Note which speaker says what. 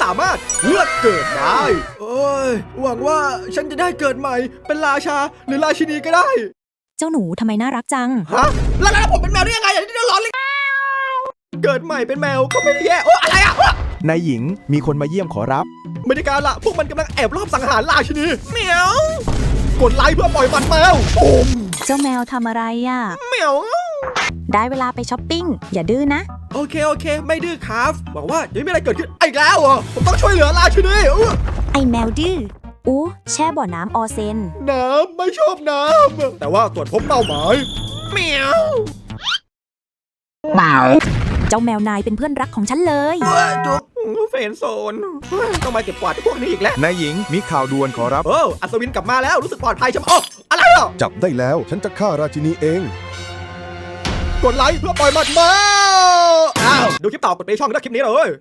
Speaker 1: ามารถเลือกเกิดได้โอ้ยหวังว่าฉันจะได้เกิดใหม่เป็นราชาหรือราชินีก็ได้
Speaker 2: เจ้าหนูทำไมน่ารักจัง
Speaker 1: ฮะแล้วผมเป็นแมวได้ยังไงอย่างที่เราร้อนเลยเกิดใหม่เป็นแมวก็ไม่ได้แย่โอ้อะไรอ่ะ
Speaker 3: นายหญิงมีคนมาเยี่ยมขอรับ
Speaker 1: ไม่ได้การละพวกมันกำลังแอบรอบสังหารราชินีเหมียวกดไลค์เพื่อปล่อยมันแมวโอม
Speaker 2: เจ้าแมวทำอะไรอ่ะ
Speaker 1: เหมียว
Speaker 2: ได้เวลาไปช้อปปิ้ง อย่าดื้อนะ
Speaker 1: โอเคไม่ดื้อครับหวังว่าจะไม่มีอะไรเกิดขึ้นอีกแล้วเหรอผมต้องช่วยเหลือราชินี
Speaker 2: ไอแมวดื้ออู้แช่บ่อน้ำออเซน
Speaker 1: น้ำไม่ชอบน้ำแต่ว่าตรวจพบเป้าหมายเหมียว
Speaker 2: เจ้าแมวนายเป็นเพื่อนรักของฉันเลย
Speaker 1: จุกเฟรนด์โซนต้องมาเก็บกวาดพวกนี้อีกแล้ว
Speaker 3: นายหญิงมีข่าวด่วนขอรับ
Speaker 1: โอ้อัศวินกลับมาแล้วรู้สึกปลอดภัยใช่ไหมโอ้อะไรอ่ะ
Speaker 4: จับได้แล้วฉันจะฆ่าราชินีเอง
Speaker 1: กดไลค์เพื่อปล่อยมันมาอ้าวดูคลิปต่อกดไปช่องด้วยคลิปนี้เลย